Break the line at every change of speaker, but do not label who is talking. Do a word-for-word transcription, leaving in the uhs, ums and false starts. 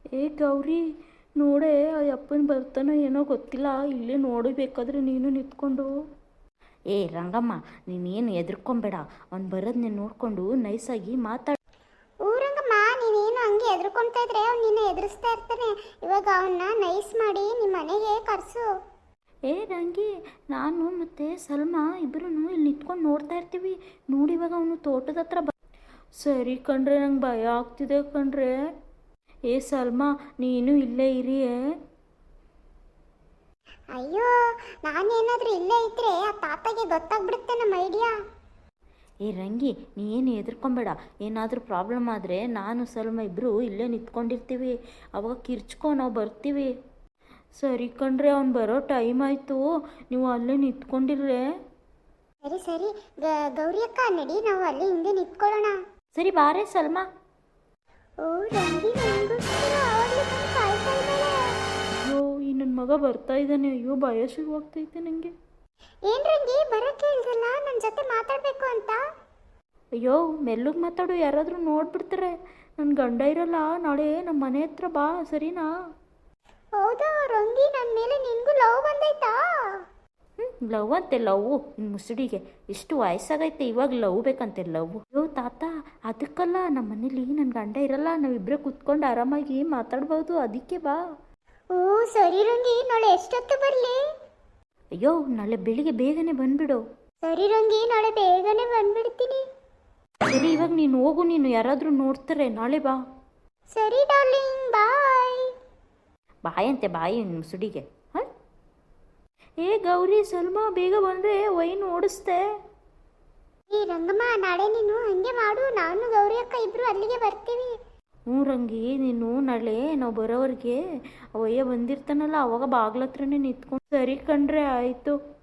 ಏ ಗೌರಿ, ನೋಡೇ ಆ ಅಪ್ಪನ ಬರ್ತಾನೋ ಏನೋ ಗೊತ್ತಿಲ್ಲ, ಇಲ್ಲೇ ನೋಡಬೇಕಾದ್ರೆ ನೀನು ನಿಂತ್ಕೊಂಡು.
ಏ ರಂಗಮ್ಮ, ನೀನೇನು ಎದ್ರಕೊಂಬೇಡ, ಅವ್ನು ಬರೋದು ನೀನು ನೋಡಿಕೊಂಡು ನೈಸಾಗಿ ಮಾತಾಡ.
ಊರಂಗಮ್ಮ, ನೀನೇನು ಹಂಗೆ ಎದ್ರುಕೊಂತಾ ಇದ್ರೆ ಅವ್ನು ನಿನ್ನ ಎದುರಿಸ್ತಾ ಇರ್ತಾನೆ. ಇವಾಗ ಅವನ್ನ ನೈಸ್ ಮಾಡಿ ನಿಮ್ಮ ಮನೆಗೆ ಕರ್ಸು.
ಏ ರಂಗಿ, ನಾನು ಮತ್ತು ಸಲ್ಮಾ ಇಬ್ಬರೂ ಇಲ್ಲಿ ನಿಂತ್ಕೊಂಡು ನೋಡ್ತಾ ಇರ್ತೀವಿ. ನೋಡಿ ಇವಾಗ ಅವನು ತೋಟದ ಹತ್ರ ಬ ಸರಿ ಕಣ್ರೆ, ನಂಗೆ ಭಯ ಆಗ್ತಿದೆ ಕಣ್ರೆ. ಏ ಸಲ್ಮಾ, ನೀನು ಇಲ್ಲೇ ಇರಿಯೇ.
ಅಯ್ಯೋ, ನಾನೇನಾದ್ರೂ ಇಲ್ಲೇ ಇದ್ರೆ ಆ ತಾತಗೆ ಗೊತ್ತಾಗ್ಬಿಡುತ್ತೆ ನಮ್ಮ ಐಡಿಯಾ.
ಏ ರಂಗಿ, ನೀ ಏನು ಎದ್ರಕೊಂಬೇಡ, ಏನಾದರೂ ಪ್ರಾಬ್ಲಮ್ ಆದರೆ ನಾನು ಸಲ್ಮ ಇಬ್ಬರು ಇಲ್ಲೇ ನಿಂತ್ಕೊಂಡಿರ್ತೀವಿ, ಅವಾಗ ಕಿರ್ಚ್ಕೊ ನಾವು ಬರ್ತೀವಿ.
ಸರಿ ಕಣ್ರೆ, ಅವ್ನು ಬರೋ ಟೈಮ್ ಆಯಿತು, ನೀವು ಅಲ್ಲೇ ನಿಂತ್ಕೊಂಡಿರ್ರೆ.
ಸರಿ ಸರಿ ಗ- ಗೌರಿ ಅಕ್ಕ, ನಡಿ ನಾವು ಅಲ್ಲಿ ಹಿಂದೆ ನಿಂತ್ಕೊಳ್ಳೋಣ.
ಸರಿ ಬಾರೇ ಸಲ್ಮಾ.
ಓ ರಂಗಿ, ನನಗೋಸ್ಕರ ಆವಾಗಲೇ ಬಂದು ಕಾಯ್ತಾ ಇದ್ದಾಳೆ.
ಅಯ್ಯೋ, ಈ ನನ್ನ ಮಗ ಬರ್ತಾ ಇದ್ದಾನೆ. ಅಯ್ಯೋ, ಭಯ ಶುರುವಾಗ್ತೈತೆ ನನಗೆ.
ಏನ್ ರಂಗಿ, ಬರಕ್ಕೆ ಹೇಳ್ದಲ್ಲ ನನ್ನ ಜೊತೆ ಮಾತಾಡ್ಬೇಕು ಅಂತ.
ಅಯ್ಯೋ, ಮೆಲ್ಲಗೆ ಮಾತಾಡು, ಯಾರಾದರೂ ನೋಡ್ಬಿಡ್ತಾರೆ. ನನ್ನ ಗಂಡ ಇರಲ್ಲ ನಾಳೆ, ನಮ್ಮ ಮನೆ ಹತ್ರ ಬಾ, ಸರಿನಾ?
ಹೌದಾ ರಂಗಿ, ನನ್ನ ಮೇಲೆ ನಿನ್ಗೂ ಲವ್ ಬಂದೈತಾ?
ಹ್ಞೂ ಲವ್ ಅಂತೆ ಲವ್, ಇನ್ನು ಮುಸುಡಿಗೆ ಇಷ್ಟು ವಯಸ್ಸಾಗೈತೆ ಇವಾಗ ಲವ್ ಬೇಕಂತೆ ಲವ್.
ಅಯ್ಯೋ ತಾತ, ಅದಕ್ಕಲ್ಲ, ನಮ್ಮ ಮನೇಲಿ ನನ್ನ ಗಂಡ ಇರಲ್ಲ, ನಾವಿಬ್ಬರೇ ಕೂತ್ಕೊಂಡು ಆರಾಮಾಗಿ ಮಾತಾಡ್ಬೋದು, ಅದಕ್ಕೆ ಬಾ.
ಓ ಸರಿ ರಂಗಿ, ನಾಳೆ ಎಷ್ಟೊತ್ತು ಬರಲಿ?
ಅಯ್ಯೋ, ನಾಳೆ ಬೆಳಿಗ್ಗೆ ಬೇಗನೆ ಬಂದ್ಬಿಡು.
ಸರಿ ರಂಗಿ, ನಾಳೆ ಬೇಗನೆ ಬಂದ್ಬಿಡ್ತೀನಿ.
ಸರಿ, ಇವಾಗ ನೀನು ಹೋಗು, ನೀನು ಯಾರಾದರೂ ನೋಡ್ತಾರೆ, ನಾಳೆ ಬಾ.
ಸರಿ ಡಾರ್ಲಿಂಗ್, ಬಾಯ್.
ಬಾಯಂತೆ ಬಾಯಿ ಇನ್ನು ಮುಸುಡಿಗೆ. ಹಾಂ,
ಏ ಗೌರಿ, ಸಲ್ಮಾ ಬೇಗ ಬಂದರೆ ವೈನ್ ಓಡಿಸ್ತೆ.
ಈ ರಂಗಮ್ಮ, ನಾಳೆ ನೀನು ಹಂಗೆ ಮಾಡು, ನಾನು ಗೌರಿ ಅಕ್ಕ ಇಬ್ರು ಅಲ್ಲಿಗೆ ಬರ್ತೀವಿ.
ಹ್ಞೂ ರಂಗಿ, ನೀನು ನಾಳೆ ನಾವು ಬರೋವ್ರಿಗೆ ಅವಯ್ಯ ಬಂದಿರ್ತಾನಲ್ಲ, ಅವಾಗ ಬಾಗ್ಲ ಹತ್ರನೇ ನಿಂತ್ಕೊಂಡು. ಸರಿ ಕಣ್ರೆ, ಆಯಿತು.